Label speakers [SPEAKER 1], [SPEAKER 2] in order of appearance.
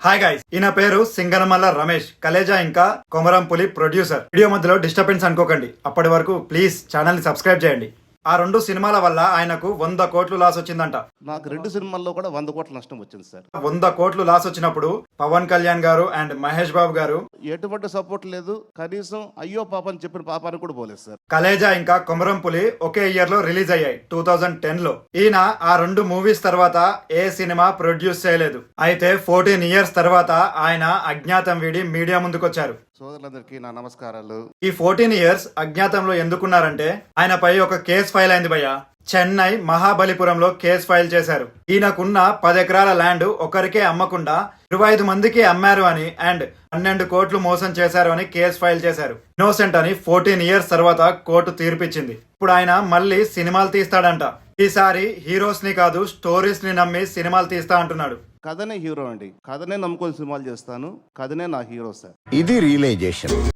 [SPEAKER 1] Hi guys, ఈయన పేరు సింగనమల్ల రమేష్. కలేజా ఇంకా కొమరంపులి ప్రొడ్యూసర్. వీడియో మధ్యలో డిస్టర్బెన్స్ అనుకోకండి. అప్పటి వరకు ప్లీజ్ ఛానల్ ని సబ్స్క్రైబ్ చేయండి. ఆ 2 సినిమాల వల్ల ఆయనకు 100 కోట్లు లాస్ వచ్చిందంట.
[SPEAKER 2] నాకు 2 సినిమాల్లో కూడా 100 కోట్ల నష్టం వచ్చింది సార్.
[SPEAKER 1] 100 కోట్లు లాస్ వచ్చినప్పుడు పవన్ కళ్యాణ్ గారు అండ్ మహేష్ బాబు గారు
[SPEAKER 2] ఎటువంటి సపోర్ట్ లేదు, కనీసం అయ్యో పాప అని చెప్పిన పాపానికి కూడా పోలేదు సార్.
[SPEAKER 1] కలేజా ఇంకా కొమరంపులి ఒకే ఇయర్ లో రిలీజ్ అయ్యాయి, 2010 లో. ఈయన ఆ 2 మూవీస్ తర్వాత ఏ సినిమా ప్రొడ్యూస్ చేయలేదు. అయితే 14 ఇయర్స్ తర్వాత ఆయన అజ్ఞాతం వీడి మీడియా ముందుకొచ్చారు.
[SPEAKER 2] సోదరులందరికీ నా నమస్కారాలు.
[SPEAKER 1] ఈ 14 ఇయర్స్ అజ్ఞాతంలో ఎందుకున్నారంటే ఆయనపై ఒక కేసు ఫైల్ అయింది భయ్య. చెన్నై మహాబలిపురంలో కేసు ఫైల్ చేశారు. ఈయనకున్న 10 ఎకరాల ల్యాండ్ ఒకరికే అమ్మకుండా 25 మందికి అమ్మారు అని అండ్ 12 కోట్లు మోసం చేశారు అని కేసు ఫైల్ చేశారు. ఇన్నోసెంట్ అని 14 ఇయర్స్ తర్వాత కోర్టు తీర్పిచ్చింది. ఇప్పుడు ఆయన మళ్ళీ సినిమాలు తీస్తాడంట. ఈసారి హీరోస్ ని కాదు, స్టోరీస్ ని నమ్మి సినిమాలు తీస్తా అంటున్నాడు.
[SPEAKER 2] కథనే హీరో అండి, కథనే నమ్ముకొని సినిమాలు చేస్తాను, కథనే నా హీరో సార్.
[SPEAKER 3] ఇది రియలైజేషన్.